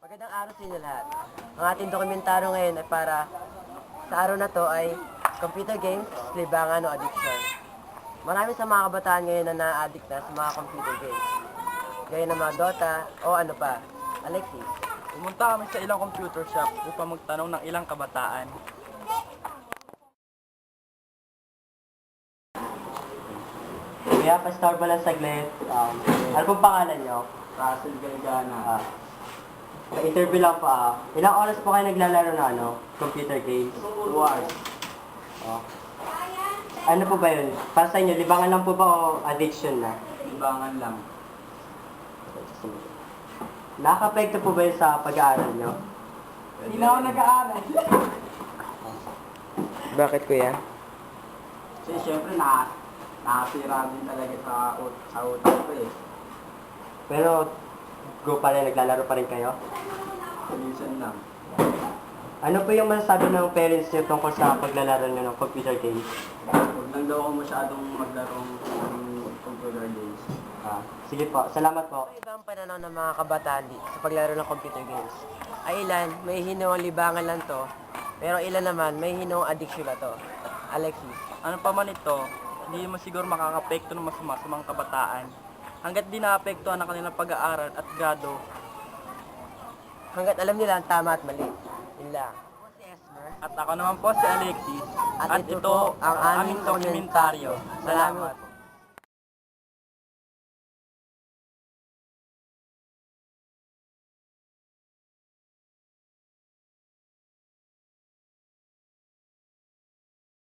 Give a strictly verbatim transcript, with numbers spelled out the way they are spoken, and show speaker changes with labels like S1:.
S1: Magandang araw sa inyo lahat. Ang ating dokumentaryo ngayon ay para sa araw na to ay computer games, libangan o addiction. Marami sa mga kabataan ngayon na na-addict na sa mga computer games. Gaya ng mga Dota o ano pa. Alexis.
S2: Pumunta kami sa ilang computer shop upang magtanong ng ilang kabataan.
S1: Kuya, pa-start pa lang saglit. Um, ano pong pangalan nyo?
S2: Russell Galgana.
S1: Ah, pa-interview lang po ah. Ilang oras po kayo naglalaro na ano? Computer games?
S2: Two hours.
S1: Oh. Ano po ba yun? Para sa inyo, libangan lang po ba o addiction na?
S2: Libangan lang.
S1: Nakaka-apekto po ba yun sa pag-aaral nyo?
S2: Hindi na ako nag-aaral.
S1: Bakit kuya?
S2: Kasi syempre na, nakasira din talaga sa, ut sa utak ko eh.
S1: Pero, go pa rin, naglalaro pa rin kayo?
S2: Minsan lang.
S1: Ano po yung masasabi ng parents nyo tungkol sa paglalaro nyo ng computer games?
S2: Huwag lang daw ako masyadong maglarong ng computer games.
S1: Ah, sige po, salamat po. Ibang pananaw ng mga kabataan di sa paglaro ng computer games. Ay ilan, may hinawang libangan lang to, pero ilan naman, may hinawang addiction na to. Alexis.
S2: Ano pa man ito, hindi mo siguro makakapekto ng masama sa mga kabataan. Hanggat di naapektuhan ang kanilang pag-aaral at grado.
S1: Hanggat alam nila ang tama at mali. Yun lang. Ako si Esmer.
S2: At ako naman po si Alexis.
S1: At ito po ang aming dokumentaryo. Salamat.